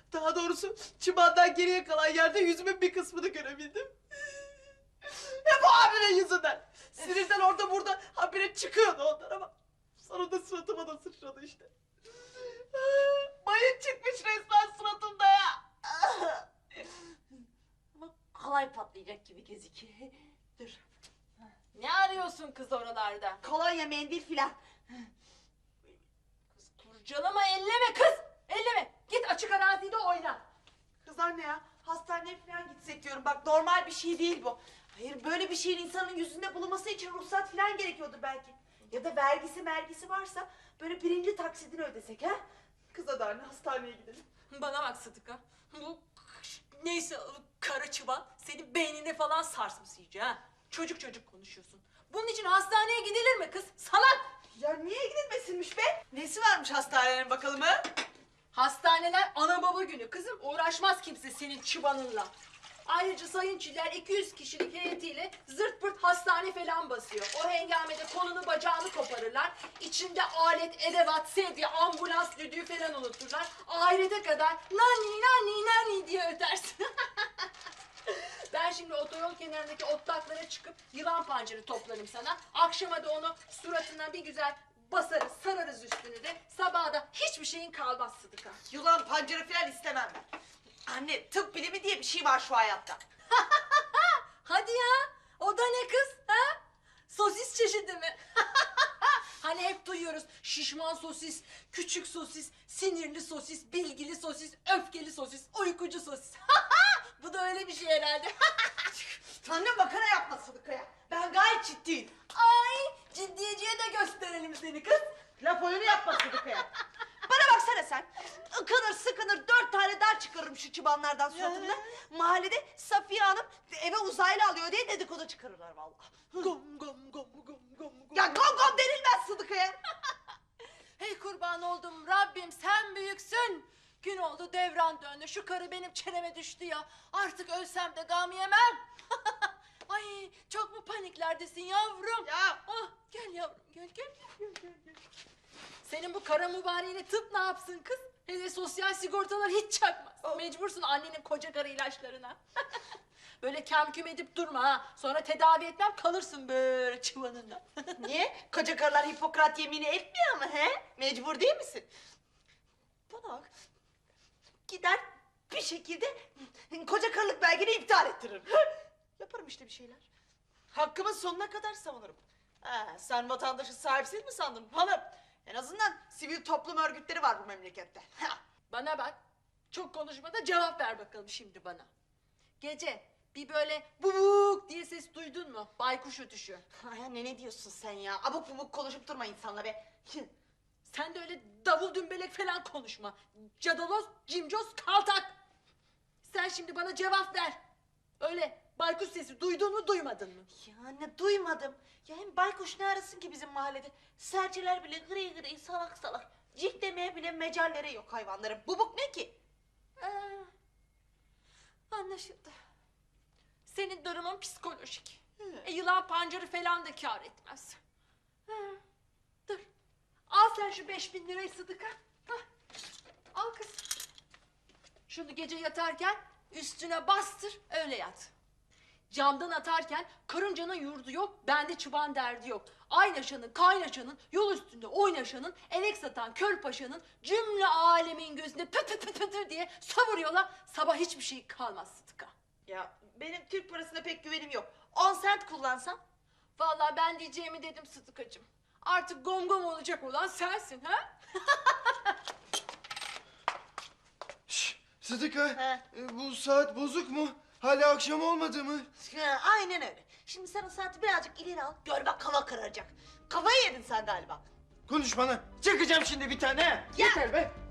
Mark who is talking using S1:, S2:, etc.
S1: Daha doğrusu çimenden geriye kalan yerde yüzümün bir kısmını görebildim. Hep o abinin yüzünden. Sinirden orada burada habire çıkıyordu onlar ama sonunda suratıma da sıçradı işte. Mayın çıkmış resmen suratımda ya.
S2: Ama kolay patlayacak gibi gözüküyor. Dur.
S3: Ne arıyorsun kız oralarda?
S2: Kolonya, mendil filan.
S3: Kız kurcalama, elleme kız! Elleme! Git açık arazide oyna.
S2: Kız anne ya, hastaneye falan gitsek diyorum. Bak normal bir şey değil bu. Hayır, böyle bir şeyin insanın yüzünde bulunması için ruhsat falan gerekiyordur belki. Ya da vergisi varsa böyle birinci taksidini ödesek ha?
S1: Kız hadi anne hastaneye gidelim.
S3: Bana bak Sıdıka. Bu neyse kara çıban senin beynine falan sarsmış iyice ha. Çocuk konuşuyorsun. Bunun için hastaneye gidilir mi kız? Salak!
S2: Ya niye gidilmesinmiş be?
S1: Nesi varmış hastanenin bakalım ha?
S3: Hastaneler ana baba günü kızım. Uğraşmaz kimse senin çıbanınla. Ayrıca Sayın Çiller 200 kişilik heyetiyle zırt pırt hastane falan basıyor. O hengamede kolunu bacağını koparırlar. İçinde alet, edevat, sedye, ambulans düdüğü falan unuturlar. Ahirete kadar nani diye ötersin. Ben şimdi otoyol kenarındaki otlaklara çıkıp yılan pancarı toplarım sana. Akşama da onu suratına bir güzel basarız, sararız üstünü de. Sabaha da hiçbir şeyin kalmaz Sıdıka.
S2: Yılan pancarı falan istemem ben. Anne, tıp bilimi diye bir şey var şu hayatta.
S3: Hadi ya, o da ne kız? Ha? Sosis çeşidi mi? Hani hep duyuyoruz şişman sosis, küçük sosis, sinirli sosis, bilgili sosis, öfkeli sosis, uykucu sosis. Bu da öyle bir şey herhalde.
S2: Anne makara yapma Sıdıka ya. Ben gayet ciddiyim.
S3: Ay, ciddiyeciye de gösterelim seni kız.
S2: Laf oyunu yapma Sıdıka ya. Bana baksana sen. Ikınır sıkınır 4 tane dar çıkarırım şu çıbanlardan suratımda. Mahallede Safiye Hanım eve uzaylı alıyor diye dedikodu çıkarırlar vallahi.
S3: Gom gom gom gom gom.
S2: Ya gom gom denilmez Sıdıka'ya.
S3: Hey kurban oldum Rabbim sen büyüksün. Gün oldu devran döndü. Şu karı benim çeneme düştü ya. Artık ölsem de gam yemem. Ay çok mu paniklerdesin yavrum?
S1: Ya
S3: Ah, gel yavrum gel. Senin bu kara mübareğine tıp ne yapsın kız? Hele sosyal sigortalar hiç çakmaz. Mecbursun annenin koca karı ilaçlarına. Böyle kemküm edip durma ha. Sonra tedavi etmem kalırsın böyle çıvanında.
S2: Niye? Koca karılar Hipokrat yemini etmiyor mu he? Mecbur değil misin? Bana bak. Gider bir şekilde koca karılık belgeni iptal ettiririm. Yaparım işte bir şeyler. Hakkımı sonuna kadar savunurum. Ha, sen vatandaşı sahipsiz mi sandın hanım? En azından sivil toplum örgütleri var bu memlekette. Ha.
S3: Bana bak. Çok konuşma da cevap ver bakalım şimdi bana. Gece bir böyle bubuk diye ses duydun mu? Baykuş ötüşü.
S2: Ay anne ne diyorsun sen ya? Abuk bubuk konuşup durma insanla be.
S3: Sen de öyle davul dümbelek falan konuşma. Cadaloz, cimcoz, kaltak. Sen şimdi bana cevap ver. Öyle baykuş sesi duydun mu duymadın mı?
S2: Ya anne duymadım. Ya hem baykuş ne arasın ki bizim mahallede? Serçeler bile gri gri salak salak. Cik demeye bile mecalleri yok hayvanların. Bubuk ne ki?
S3: Anlaşıldı. Senin durumun psikolojik. Yılan pancarı falan da kâr etmez. Dur. Al sen şu 5000 lirayı Sıdıka. Hah. Al kız. Şunu gece yatarken üstüne bastır öyle yat. Camdan atarken karıncanın yurdu yok, bende çıban derdi yok. Aynaşanın, kaynaşanın, yol üstünde oynaşanın, enek satan köl paşanın cümle alemin gözünde pü pü pü pü pü diye savuruyorlar. Sabah hiçbir şey kalmaz Sıdıka.
S2: Ya benim Türk parasına pek güvenim yok. 10 sent kullansam?
S3: Vallahi ben diyeceğimi dedim Sıdıkacığım. Artık gom gom olacak olan sensin ha?
S4: Şşş, Sıdıka,
S2: He.
S4: bu saat bozuk mu? Hala akşam olmadı mı?
S2: Ha, aynen öyle. Şimdi sen o saati birazcık ileri al. Gör bak hava kararacak. Kafayı yedin sen galiba.
S4: Konuş bana. Çakacağım şimdi bir tane.
S2: Ya.
S4: Yeter be.